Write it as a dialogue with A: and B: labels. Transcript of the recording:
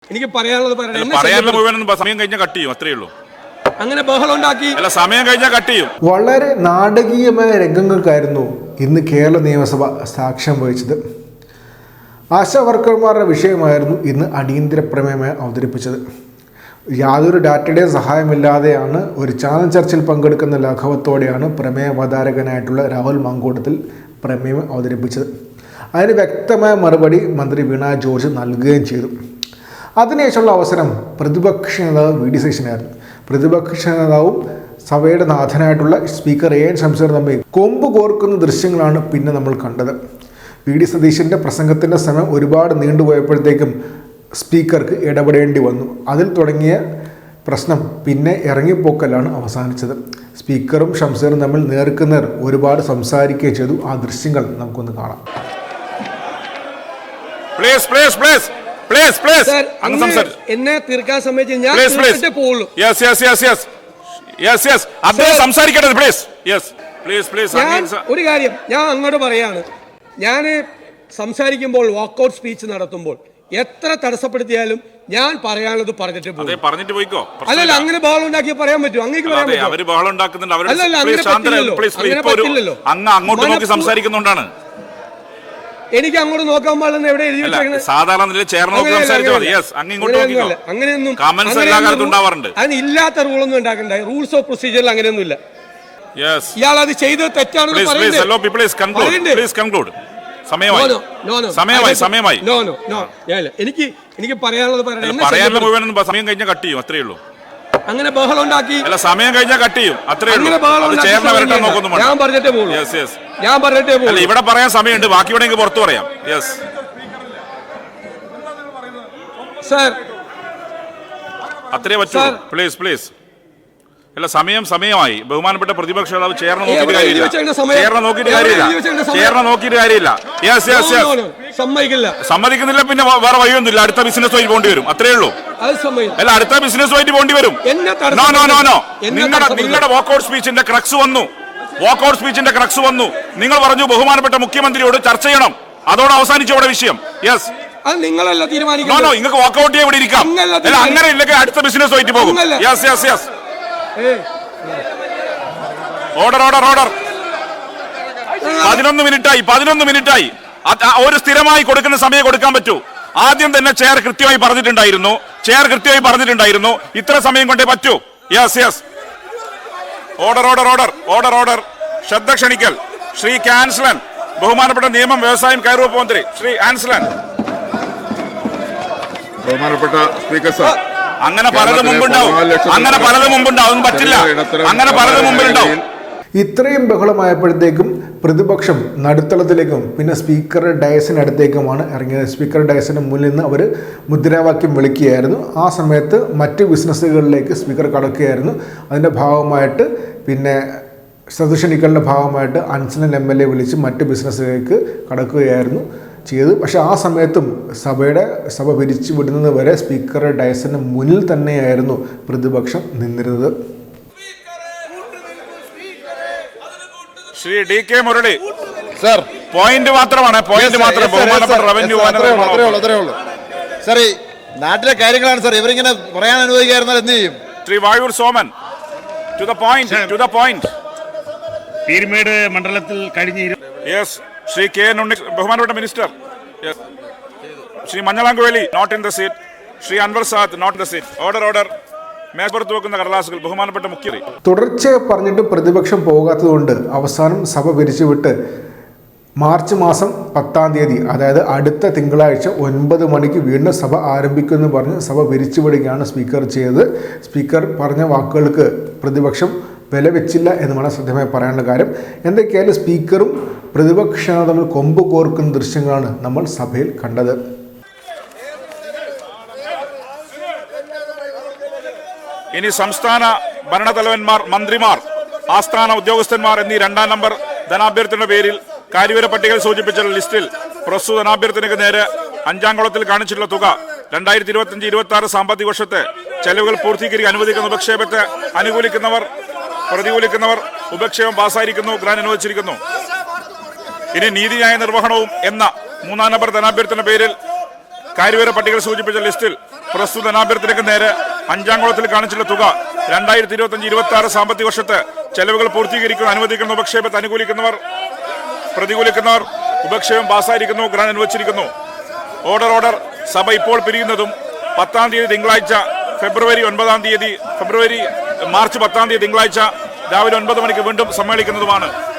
A: എനിക്ക് പറയാനുള്ളത്
B: സമയം കഴിഞ്ഞാൽ കട്ട് ചെയ്യും, അത്രേ ഉള്ളൂ.
A: അങ്ങനെ ബഹളം ഉണ്ടാക്കി
B: അല്ല, സമയം കഴിഞ്ഞാൽ കട്ട് ചെയ്യും.
C: വളരെ നാടകീയമായ രംഗങ്ങൾക്കായിരുന്നു ഇന്ന് കേരള നിയമസഭ സാക്ഷ്യം വഹിച്ചത്. ആശാ വർക്കർമാരുടെ വിഷയമായിരുന്നു ഇന്ന് അടിയന്തര പ്രമേയമായി അവതരിപ്പിച്ചത്. യാതൊരു ഡാറ്റയുടെയും സഹായമില്ലാതെയാണ് ഒരു ചാനൽ ചർച്ചയിൽ പങ്കെടുക്കുന്ന ലാഘവത്തോടെയാണ് പ്രമേയ അവതാരകനായിട്ടുള്ള രാഹുൽ മാങ്കൂട്ടത്തിൽ പ്രമേയം അവതരിപ്പിച്ചത്. അതിന് വ്യക്തമായ മറുപടി മന്ത്രി വീണ ജോർജ് നൽകുകയും ചെയ്തു. അതിനുശേഷമുള്ള അവസരം പ്രതിപക്ഷ നേതാവ് വി ഡി സതീശനായിരുന്നു. പ്രതിപക്ഷ നേതാവും സഭയുടെ നാഥനായിട്ടുള്ള സ്പീക്കർ എ എൻ ഷംസീർ തമ്മിൽ കൊമ്പ് കോർക്കുന്ന ദൃശ്യങ്ങളാണ് പിന്നെ നമ്മൾ കണ്ടത്. വി ഡി സതീശൻ്റെ പ്രസംഗത്തിൻ്റെ സമയം ഒരുപാട് നീണ്ടുപോയപ്പോഴത്തേക്കും സ്പീക്കർക്ക് ഇടപെടേണ്ടി വന്നു. അതിൽ തുടങ്ങിയ പ്രശ്നം പിന്നെ ഇറങ്ങിപ്പോക്കലാണ് അവസാനിച്ചത്. സ്പീക്കറും ഷംസീറും തമ്മിൽ നേർക്കുനേർ ഒരുപാട് സംസാരിക്കുകയും ചെയ്തു. ആ ദൃശ്യങ്ങൾ നമുക്കൊന്ന് കാണാം.
A: എന്നെ തീർക്കാൻ സമ്മതിച്ച് ഞാൻ ഒരു കാര്യം ഞാൻ അങ്ങോട്ട് പറയാണ്. ഞാൻ സംസാരിക്കുമ്പോൾ വാക്കൗട്ട് സ്പീച്ച് നടത്തുമ്പോൾ എത്ര തടസ്സപ്പെടുത്തിയാലും ഞാൻ പറയാനുള്ളത് പറഞ്ഞിട്ട്
B: പോയിക്കോ.
A: അല്ലല്ല, അങ്ങനെ ബഹളം ഉണ്ടാക്കി പറയാൻ പറ്റുമോ? അങ്ങനെ പറയാൻ പറ്റില്ലല്ലോ.
B: സംസാരിക്കുന്നുണ്ടാണ്.
A: എനിക്ക് അങ്ങോട്ട് നോക്കാൻ പാടില്ലെന്ന് എവിടെ എഴുതി വെച്ചേക്കുന്നത്? അങ്ങനെയൊന്നും അതിന് ഇല്ലാത്ത റൂളൊന്നും ഉണ്ടാക്കണ്ട. റൂൾസ് ഓഫ് പ്രൊസീജിയറിൽ അങ്ങനെയൊന്നും ഇല്ല. ഇയാൾ അത് ചെയ്തത് തെറ്റാണെന്ന് എനിക്ക് പറയാനുള്ളത്
B: സമയം കഴിഞ്ഞാൽ കട്ട് ചെയ്യും, അത്രേ ഉള്ളൂ.
A: അങ്ങനെ ബഹളം ഉണ്ടാക്കി.
B: അല്ല, സമയം കഴിഞ്ഞാൽ കട്ട് ചെയ്യും, അത്രേ ഉള്ളൂ.
A: ഞാൻ പറഞ്ഞിട്ടേ
B: ഇവിടെ പറയാൻ സമയമുണ്ട്, ബാക്കി ഇവിടെ പുറത്തു പറയാം. അത്രേ പറ്റൂ. പ്ലീസ്. അല്ല, സമയമായി. ബഹുമാനപ്പെട്ട പ്രതിപക്ഷ നേതാവ് ചേർന്ന് നോക്കിയിട്ട് കാര്യമില്ല. സമ്മതിക്കുന്നില്ല, പിന്നെ വേറെ വഴിയൊന്നുമില്ല. അടുത്ത ബിസിനസ് വഴി പോകേണ്ടി വരും, അത്രേ ഉള്ളൂ. അല്ല, അടുത്ത ബിസിനസ് വഴി പോകേണ്ടി വരും. നിങ്ങളുടെ വാക്കൗട്ട് സ്പീച്ചിന്റെ ക്രക്സ് വന്നു. നിങ്ങൾ പറഞ്ഞു ബഹുമാനപ്പെട്ട മുഖ്യമന്ത്രിയോട് ചർച്ച ചെയ്യണം. അതോടെ അവസാനിച്ചു അവിടെ വിഷയം.
A: അത് നിങ്ങളല്ല തീരുമാനിക്കുന്നത്.
B: നിങ്ങൾക്ക് വാക്കൗട്ട് ചെയ്യാൻ ഇവിടെ ഇരിക്കാം. അങ്ങനെ ഇല്ലെങ്കിൽ അടുത്ത ബിസിനസ് വഴി പോകും. ഓർഡർ 11 മിനിറ്റായി. ഒരു സ്ഥിരമായി കൊടുക്കുന്ന സമയം കൊടുക്കാൻ പറ്റൂ. ആദ്യം തന്നെ ചെയർ കൃത്യമായി പറഞ്ഞിട്ടുണ്ടായിരുന്നു ഇത്ര സമയം കൊണ്ടേ പറ്റൂ. ഓർഡർ. ശ്രദ്ധ ക്ഷണിക്കൽ. ശ്രീ ആൻസ്ലൻ, ബഹുമാനപ്പെട്ട നിയമം, വ്യവസായം, കയർ വകുപ്പ് മന്ത്രി ശ്രീ ആൻസ്ലൻ.
D: ബഹുമാനപ്പെട്ട സ്പീക്കർ സാർ,
B: അങ്ങനെ പലതും മുമ്പുണ്ടാവും. പറ്റില്ല. അങ്ങനെ പലതും മുമ്പിലുണ്ടാവും.
C: ഇത്രയും ബഹളമായപ്പോഴത്തേക്കും പ്രതിപക്ഷം നടുത്തളത്തിലേക്കും പിന്നെ സ്പീക്കറുടെ ഡയസിനടുത്തേക്കുമാണ് ഇറങ്ങിയത്. സ്പീക്കർ ഡയസിന് മുന്നിൽ നിന്ന് അവർ മുദ്രാവാക്യം വിളിക്കുകയായിരുന്നു. ആ സമയത്ത് മറ്റ് ബിസിനസ്സുകളിലേക്ക് സ്പീക്കർ കടക്കുകയായിരുന്നു. അതിൻ്റെ ഭാഗമായിട്ട് പിന്നെ സദസ്യനിക്കലിൻ്റെ ഭാഗമായിട്ട് അൻസനൽ MLA വിളിച്ച് മറ്റ് ബിസിനസ്സിലേക്ക് കടക്കുകയായിരുന്നു ചെയ്ത്. പക്ഷേ ആ സമയത്തും സഭ പിരിച്ചു വിടുന്നത് വരെ സ്പീക്കറുടെ ഡയസിന് മുന്നിൽ തന്നെയായിരുന്നു പ്രതിപക്ഷം നിന്നിരുന്നത്.
B: Shri DK Murali
D: sir,
B: point മാത്രമാണ്. റവന്യൂ
D: സാർ, ഈ നാട്ടിലെ കാര്യങ്ങളാണ് സാർ ഇവരിങ്ങനെ പറയാൻ അനുവദിക്കായിരുന്നാൽ എന്ത് ചെയ്യും?
B: Shri Vazhoor Soman, to the point.
E: Peerumedu മണ്ഡലത്തിൽ കഴിഞ്ഞ
B: ശ്രീ K. ബഹുമാനപ്പെട്ട മിനിസ്റ്റർ. ശ്രീ മഞ്ഞളാങ്കുവേലി, not in the seat. Shri Anwar Sadath, not in the seat. Order. മേൽപ്പുറത്ത് വെക്കുന്ന കടലാസുകൾ. ബഹുമാനപ്പെട്ട മുഖ്യമന്ത്രി.
C: തുടർച്ചയായി പറഞ്ഞിട്ട് പ്രതിപക്ഷം പോകാത്തതുകൊണ്ട് അവസാനം സഭ പിരിച്ചുവിട്ട് മാർച്ച് മാസം 10-ാം തീയതി, അതായത് അടുത്ത തിങ്കളാഴ്ച 9 മണിക്ക് വീണ്ടും സഭ ആരംഭിക്കുമെന്ന് പറഞ്ഞ് സഭ പിരിച്ചുവിടുകയാണ് സ്പീക്കർ ചെയ്തത്. സ്പീക്കർ പറഞ്ഞ വാക്കുകൾക്ക് പ്രതിപക്ഷം വില വെച്ചില്ല എന്നുമാണ് ശ്രദ്ധമായി പറയാനുള്ള കാര്യം. എന്തൊക്കെയായാലും സ്പീക്കറും പ്രതിപക്ഷവും തമ്മിൽ കൊമ്പ് കോർക്കുന്ന ദൃശ്യങ്ങളാണ് നമ്മൾ സഭയിൽ കണ്ടത്.
B: ഇനി സംസ്ഥാന ഭരണതലവന്മാർ, മന്ത്രിമാർ, ആസ്ഥാന ഉദ്യോഗസ്ഥന്മാർ എന്നീ 2ാം നമ്പർ ധനാഭ്യർത്ഥനയുടെ പേരിൽ കാര്യവിവര പട്ടികയിൽ സൂചിപ്പിച്ച ലിസ്റ്റിൽ പ്രസ്തുത ധനാഭ്യർത്ഥനയ്ക്ക് നേരെ 5ാം കോളത്തിൽ കാണിച്ചിട്ടുള്ള തുക 2025-26 സാമ്പത്തിക വർഷത്തെ ചെലവുകൾ പൂർത്തീകരിക്കാൻ അനുവദിക്കുന്ന ഉപക്ഷേപത്തെ പ്രതികൂലിക്കുന്നവർ ഉപക്ഷേപം പാസായിരിക്കുന്നു, ഗ്രാന്റ് അനുവദിച്ചിരിക്കുന്നു. ഇനി നീതിന്യായ നിർവഹണവും എന്ന 3ാം നമ്പർ ധനാഭ്യർത്ഥന പേരിൽ കാര്യവിവര പട്ടികയിൽ സൂചിപ്പിച്ച ലിസ്റ്റിൽ പ്രസ്തുത ധനാഭ്യർത്ഥനയ്ക്ക് നേരെ അഞ്ചാംകുളത്തിൽ കാണിച്ചുള്ള തുക 2025-26 സാമ്പത്തിക വർഷത്തെ ചെലവുകൾ പൂർത്തീകരിക്കുന്ന അനുവദിക്കുന്ന ഉപക്ഷേപത്തെ അനുകൂലിക്കുന്നവർ, പ്രതികൂലിക്കുന്നവർ ഉപക്ഷേപം പാസ്സായിരിക്കുന്നു, ഗ്രാന്റ് അനുവദിച്ചിരിക്കുന്നു. ഓർഡർ സഭ ഇപ്പോൾ പിരിയുന്നതും 10-ാം തീയതി തിങ്കളാഴ്ച മാർച്ച് 10-ാം തീയതി തിങ്കളാഴ്ച രാവിലെ 9 മണിക്ക് വീണ്ടും സമ്മേളിക്കുന്നതുമാണ്.